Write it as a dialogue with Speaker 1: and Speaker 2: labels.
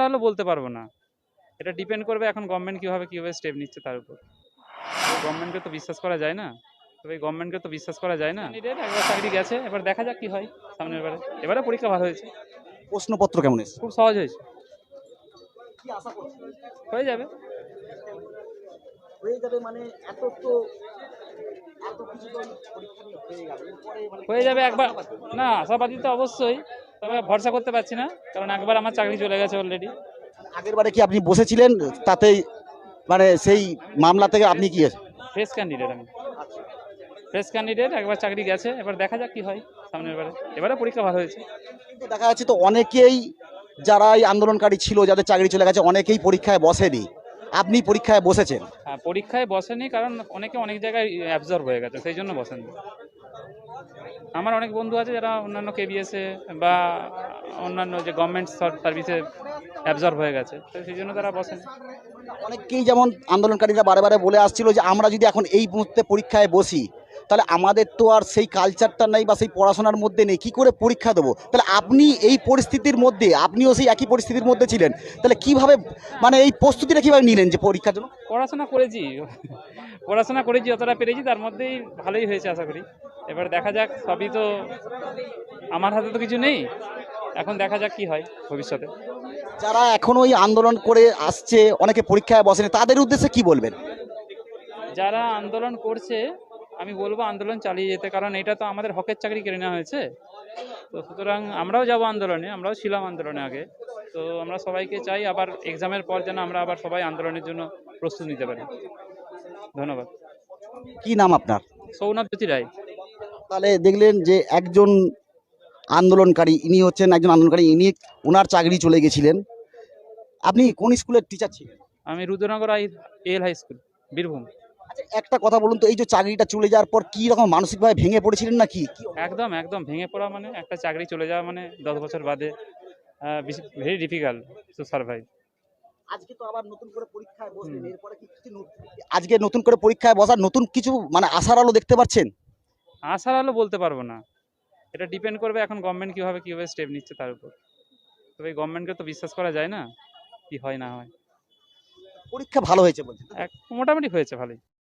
Speaker 1: আলো বলতে পারবো না, এটা ডিপেন্ড করবে এখন গভর্নমেন্ট কিভাবে স্টেপ নিচ্ছে তার উপর। গভর্নমেন্টকে তো বিশ্বাস করা যায় না, তবে গভর্নমেন্টকে তো বিশ্বাস করা যায় না। ক্যান্ডিডেট একবার চাকরি গেছে, এবার দেখা যাক কি হয় সামনের বারে। এবারে পরীক্ষা ভালো হয়েছে,
Speaker 2: প্রশ্নপত্র কেমন এসেছে?
Speaker 1: খুব সহজ হয়েছে, হয়ে যাবে।
Speaker 2: হয়ে যাবে মানে এত তো এত কিছু তো পরীক্ষা নিয়ে হয়ে গেল, এরপরে মানে
Speaker 1: হয়ে যাবে একবার। না, আশাবাদী তো অবশ্যই, তবে ভরসা করতে পারছি না, কারণ একবার আমার চাকরি চলে গেছে অলরেডি।
Speaker 2: আগের বারে কি আপনি বসেছিলেন তাতেই মানে সেই মামলা থেকে আপনি কি
Speaker 1: ফ্রেশ ক্যান্ডিডেট আমি, ফ্রেশ ক্যান্ডিডেট, একবার চাকরি গেছে, এবার দেখা যাক কি হয় সামনের বারে। এবারে পরীক্ষা ভালো হয়েছে।
Speaker 2: কিন্তু দেখা যাচ্ছে তো অনেকেই যারা এই আন্দোলনকারী ছিল যাদের চাকরি চলে গেছে অনেকেই পরীক্ষায় বসেনি, আপনি পরীক্ষায় বসেছেন।
Speaker 1: হ্যাঁ, পরীক্ষায় বসেনি কারণ অনেকে অনেক জায়গায় অ্যাবজর্ব হয়ে গেছে, সেই জন্য বসেনি। আমার অনেক বন্ধু আছে যারা অন্যান্য কেবিএসে বা অন্যান্য যে গভর্নমেন্ট সার্ভিসে অ্যাবজর্ব হয়ে গেছে, তো সেই জন্য তারা বসেনি।
Speaker 2: অনেকেই যেমন আন্দোলনকারীরা বারে বারে বলে আসছিল যে আমরা যদি এখন এই মুহূর্তে পরীক্ষায় বসি তাহলে আমাদের তো আর সেই কালচারটা নেই বা সেই পড়াশোনার মধ্যে নেই, কি করে পরীক্ষা দেবো? তাহলে আপনি এই পরিস্থিতির মধ্যে, আপনিও সেই একই পরিস্থিতির মধ্যে ছিলেন, তাহলে কিভাবে মানে এই প্রস্তুতিটা কিভাবে নিলেন যে পরীক্ষার জন্য?
Speaker 1: পড়াশোনা করেছি, পড়াশোনা করেছি যতটা পেরেছি, তার মধ্যেই ভালোই হয়েছে আশা করি। এবার দেখা যাক, সবই তো আমার হাতে তো কিছু নেই, এখন দেখা যাক কি হয় ভবিষ্যতে।
Speaker 2: যারা এখনো এই আন্দোলন করে আসছে, অনেকে পরীক্ষায় বসেনি, তাদের উদ্দেশ্যে কি বলবেন?
Speaker 1: যারা আন্দোলন করছে আমি বলবো আন্দোলন চালিয়ে যেতে, কারণ এটা তো আমাদের হকের চাকরি কেড়ে নেওয়া হয়েছে। তো সুতরাং আমরাও যাব আন্দোলনে, আমরাও ছিলাম আন্দোলনে আগে। তো আমরা সবাইকে চাই আবার এক্সামের পর যেন আমরা আবার সবাই আন্দোলনের জন্য প্রস্তুত নিতে পারি। ধন্যবাদ।
Speaker 2: কি নাম আপনার?
Speaker 1: সৌনভ জ্যোতি রায়।
Speaker 2: তাহলে দেখলেন যে একজন আন্দোলনকারী, ইনি হচ্ছেন একজন আন্দোলনকারী, ইনি ওনার চাকরি চলে গেছিলেন। আপনি কোন স্কুলের টিচার ছিলেন?
Speaker 1: আমি Rudranagar L high school, Birbhum.
Speaker 2: আচ্ছা, একটা কথা বলুন তো, এই যে চাকরিটা চলে যাওয়ার পর কি রকম মানসিকভাবে ভেঙে পড়েছিলেন নাকি?
Speaker 1: একদম একদম ভেঙে পড়া, মানে একটা চাকরি চলে যাওয়া মানে 10 বছর বাদে ভেরি ডিফিকাল্ট টু সার্ভাইভ।
Speaker 2: আজকে তো আবার নতুন করে পরীক্ষায় বসলেন, এরপরে কি কিছু আজকে নতুন করে পরীক্ষায় বসার নতুন কিছু মানে আশার আলো দেখতে পাচ্ছেন?
Speaker 1: আশার আলো বলতে পারবো না, এটা ডিপেন্ড করবে এখন গভর্নমেন্ট কিভাবে স্টেপ নিচ্ছে তার উপর। তবে গভর্নমেন্টকে তো বিশ্বাস করা যায় না, কি হয় না হয়।
Speaker 2: পরীক্ষা ভালো হয়েছে বলছেন?
Speaker 1: মোটামুটি হয়েছে ভালোই।